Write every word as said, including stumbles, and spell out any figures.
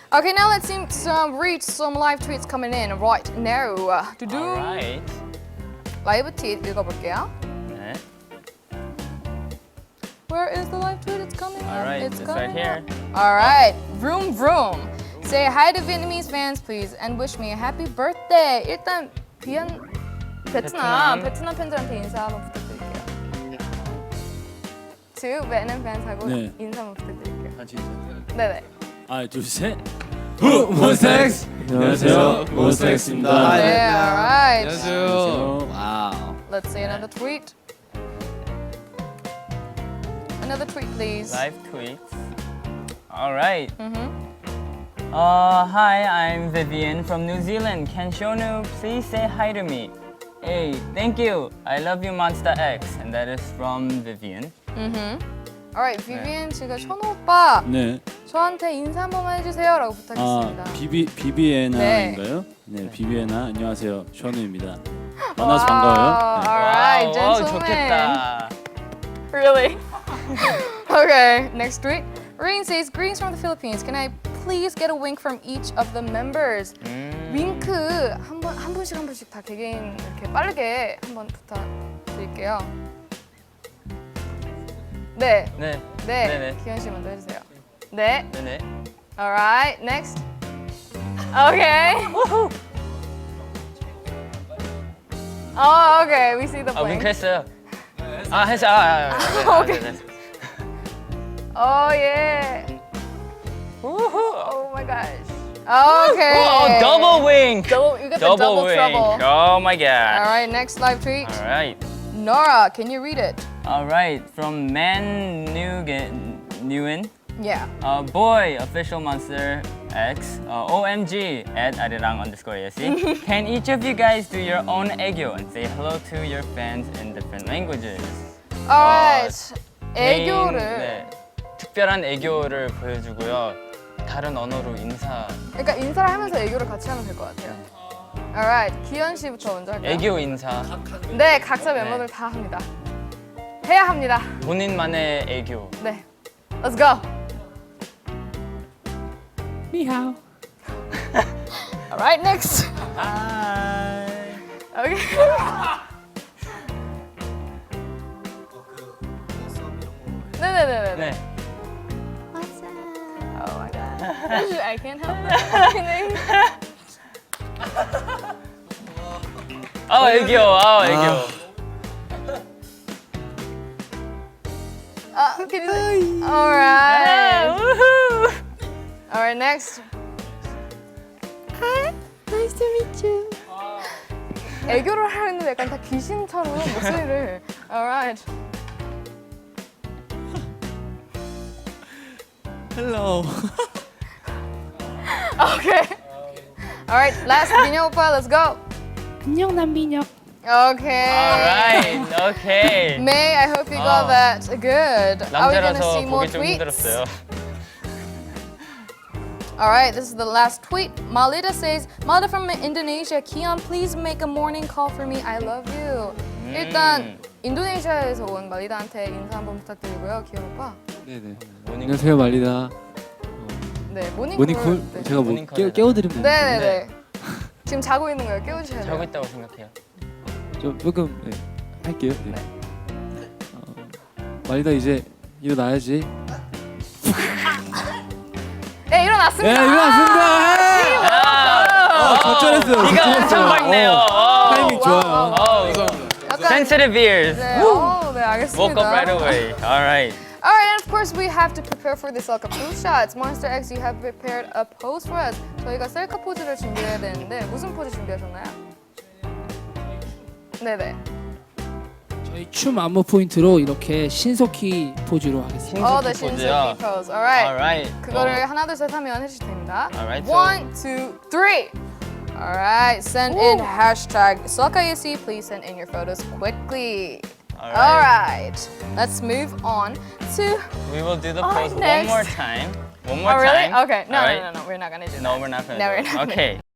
Okay, now let's see some read some live tweets coming in right now. 두둥. Alright. 라이브 트윗 읽어볼게요. 네. Where is the live tweet? It's coming up. Alright, It's it's coming right here. up. Alright, vroom vroom. Say hi to Vietnamese fans, please, and wish me a happy birthday. 일단 비안 베트남 베트남. 베트남 팬들한테 인사 한번 부탁드릴게요. To Vietnam fans 하고 네. 인사 한번 부탁드릴게요. 같이 인사. 네네. 하나, 둘, 셋. 후 몬스타엑스. 안녕하세요, 몬스타엑스입니다. 네, alright. 안녕하세요. 와우. Let's see another tweet. Another tweet, please. Live tweets. Alright. Mm-hmm. Uh, hi, I'm Vivian from New Zealand. Can Shonu please say hi to me? Hey, thank you. I love you, Monster X. And that is from Vivian. Mm-hmm. Alright, Vivian 지금 현우 오빠 네. 저한테 인사 한 번만 해주세요라고 아, 부탁했습니다. 비비 비비에나인가요? 네, 비비에나 안녕하세요, 션우입니다. 만나서 반가워요. 네. Alright, 와우, 와우, gentlemen. 좋겠다. Really? Okay, next tweet. Rain says, greetings from the Philippines. Can I please get a wink from each of the members? 음. 윙크 한 번 한 분씩 한 분씩 다 개개인 이렇게 빠르게 한번 부탁드릴게요. 네, 네. 네, 네네. 기현 씨 먼저 해주세요. 네, 네네. alright, next. Okay. Oh, okay, we see the 아, blink. 윙크했어요. 아, 했어. 아, 아, 아, 아, 오케이. 네, 네. Oh yeah. 우후. Oh my gosh. Okay. Oh, double wink. Double, you got the Double double wink. trouble. Oh my god. All right, next live tweet. All right. Nora, can you read it? All right. From Man Nguyen, Nguyen. Yeah. Uh, boy, official Monster X, uh, O M G at arirang underscore yesi. Can each of you guys do your own 애교 and say hello to your fans in different languages? All right. 개인, 애교를. 네, 특별한 애교를 보여주고요. 다른 언어로 인사. 그러니까 인사를 하면서 애교를 같이 하면 될 것 같아요. All right, 기현 씨부터 먼저 할까요? 애교 인사. 네, 각자 멤버들 다 합니다. 해야 합니다. 본인만의 애교. 네. Let's go. 니하오. All right, next. Hi. Okay. 네네네네. 네. Oh my god. I can't help it. 아 애교. 아 애교. Uh, can you say? All right. 우후. All right, next. Hi. Nice to meet you. 애교를 하는데 약간 다 귀신처럼 목소리를. All right. 헬로. Okay. All right, last 민혁 오빠, let's go. 안녕 남민혁. Okay. Alright. Okay. May, I hope you got 어. that good. Are we gonna 남자라서 see more 보기 좀 tweets? 힘들었어요. All right, this is the last tweet. Malida says, Malida from Indonesia, Kian, please make a morning call for me. I love you. 음. 일단 인도네시아에서 온 말리다한테 인사 한번 부탁드리고요, 기현 오빠. 네네. 모닝. 안녕하세요, 말리다. 네, 모닝콜. 모닝콜 네. 제가 뭐 모닝콜 깨, 해라. 깨워드리면 네네네. 네. 지금 자고 있는 거예요. 깨워주셔야 자고 돼요. 있다고 생각해요. 좀 조금 네, 할게요. 네. 어, 말리다 이제 일어나야지. 네, 일어났습니다. 네, 일어났습니다. 아, 어, 적절했어요. 비가 엄청 적절했어요. 밝네요. 어, 타이밍 와우, 좋아요. 와우. 어, 약간 sensitive ears. 네, 어, 네, 알겠습니다. Woke up right away. All right. All right, and of course we have to prepare for the 셀카 pose shots. Monster X, you have prepared a pose for us. 저희가 셀카 포즈를 준비해야 되는데 무슨 포즈 준비하셨나요? 네네. 저희 춤 안무 포인트로 이렇게 신속히 포즈로 하겠습니다. 어, the 신속히 포즈요. 신속히 pose. All right. Alright. 그거를 하나 둘 셋 하면 해주실 됩니다. Alright, so- One, two, three. All right. Send in hashtag 셀카예시. Please send in your photos quickly. All All right. right. Let's move on to. We will do the Oh, pose next. one more time. One more Oh, really? time. Okay. No, All no, right? no, no. We're not gonna do No, that. we're not gonna No, do we're it. not gonna- Okay.